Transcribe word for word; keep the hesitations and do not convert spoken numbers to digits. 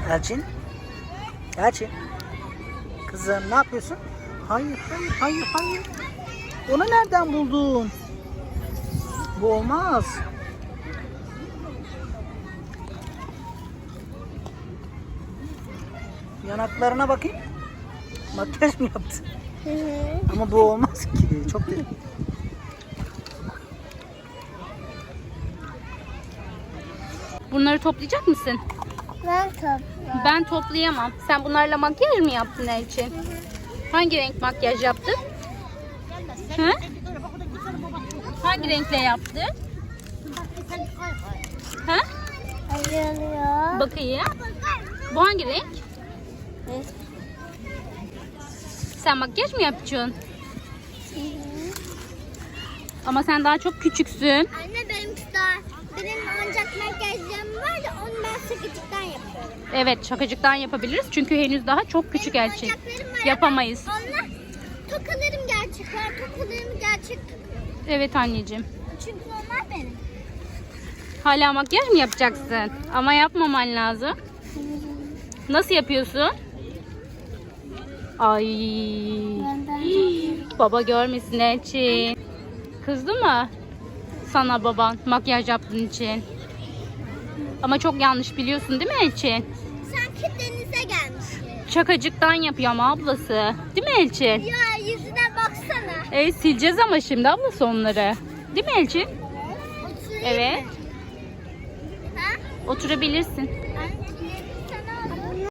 Elçin. Elçin. Kızım ne yapıyorsun? Hayır, hayır, hayır, hayır. Onu nereden buldun? Bu olmaz. Yanaklarına bakayım. Makyaj mı yaptın? Hı hı. Ama bu olmaz ki. Çok derin. Bunları toplayacak mısın? Ben topla. Ben toplayamam. Sen bunlarla makyaj mı yaptın Elçin? Hangi renk makyaj yaptın? Hı? Hangi renkle yaptın? Hı? Acılıyor. Bakayım. Bu hangi renk? Sen makyaj mı yapacaksın? Ama sen daha çok küçüksün. Anne benim daha benim ancak makyajlarım var da onu ben sıkıcıktan yapıyorum. Evet, şakacıktan yapabiliriz. Çünkü henüz daha çok küçük Elçin. Oyuncaklarım var. Yapamayız. Onlar tokalarım gerçek var. Tokalarımı gerçek takıyorum. Evet anneciğim. Çünkü onlar benim. Hala makyaj mı yapacaksın? Ama yapmaman lazım. Nasıl yapıyorsun? Ay. Baba görmesin Elçin. Kızdı mı sana baban makyaj yaptığın için? Ama çok yanlış biliyorsun değil mi Elçin? Sanki denize gelmiş. Şakacıktan yapıyor ama ablası. Değil mi Elçin? Ya yüzüne baksana. Evet sileceğiz ama şimdi ablası onları. Değil mi Elçin? Oturayım Evet. mı? Ha? Oturabilirsin.